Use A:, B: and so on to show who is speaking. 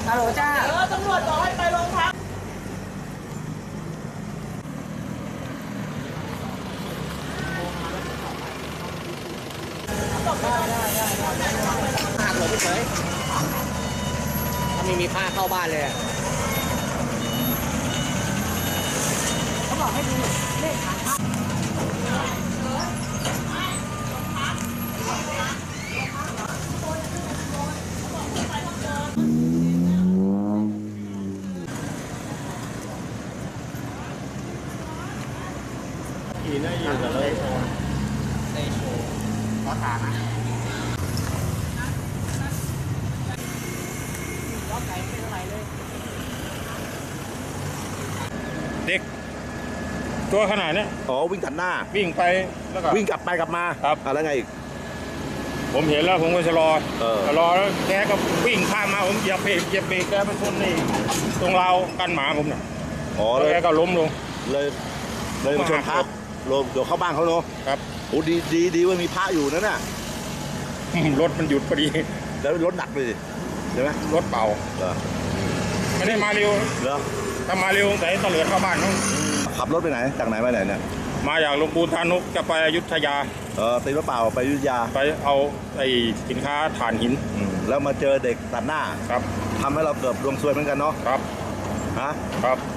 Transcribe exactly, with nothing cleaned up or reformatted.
A: ฮัลโหลจ้าเออตำรวจบอกให้ไปโรงพักได้ได้ได้ได้หักหลบเฉยถ้าไม่มีผ้าเข้าบ้านเลยเขาบอกให้ดูเลขฐานพระ
B: ขี่น่าอยู่กับเลยโชว์ได้โชว์ขอถามนะ
A: ล็อกไหนไม่เท่าไหร่เลย
C: เด็กตัวขนาดนี้
D: อ๋อวิ่งตัดหน้า
C: วิ่งไปแล้วก็
D: วิ่งกลับไปกลับมา
C: ครับ
D: อะไรไงอีก
C: ผมเห็นแล้วผมก็ชะลอ
D: เออ
C: ชะลอแล้วแกก็วิ่งข้ามมาผมเหยียบเบรกเหยียบเบรกแกไปชนนี่ตรงราวกันหมาผมน่ะ
D: อ๋อ
C: แล้วแกก็ล้มลง
D: เลยเลยมาชนพระลงเดี๋ยวเข้าบ้านเขาเนาะ
C: ครับ
D: โอ้ดีดีดีว่ามีพระอยู่นั่นน่ะ
C: รถมันหยุดพอดี
D: แล้วรถหนักเลยใช่ไหม
C: รถเป่า
D: เหรอ
C: ไม่ได้มาเร็ว
D: เหรอ
C: ถ้ามาเร็วใส่ตะเลือดเข้าบ้านเขา
D: ขับรถไปไหนจากไหนไปไหนเนี่ย
C: มาจากลงปูนทานุกจะไปอยุธยา
D: เออตีรถเปล่าไปอยุธยา
C: ไปเอาไอ้สินค้าถ่านหิน
D: แล้วมาเจอเด็กตัดหน้า
C: ครับ
D: ทำให้เราเกิดดวงซวยเหมือนกันเนาะ
C: ครับ
D: ฮะ
C: ครับ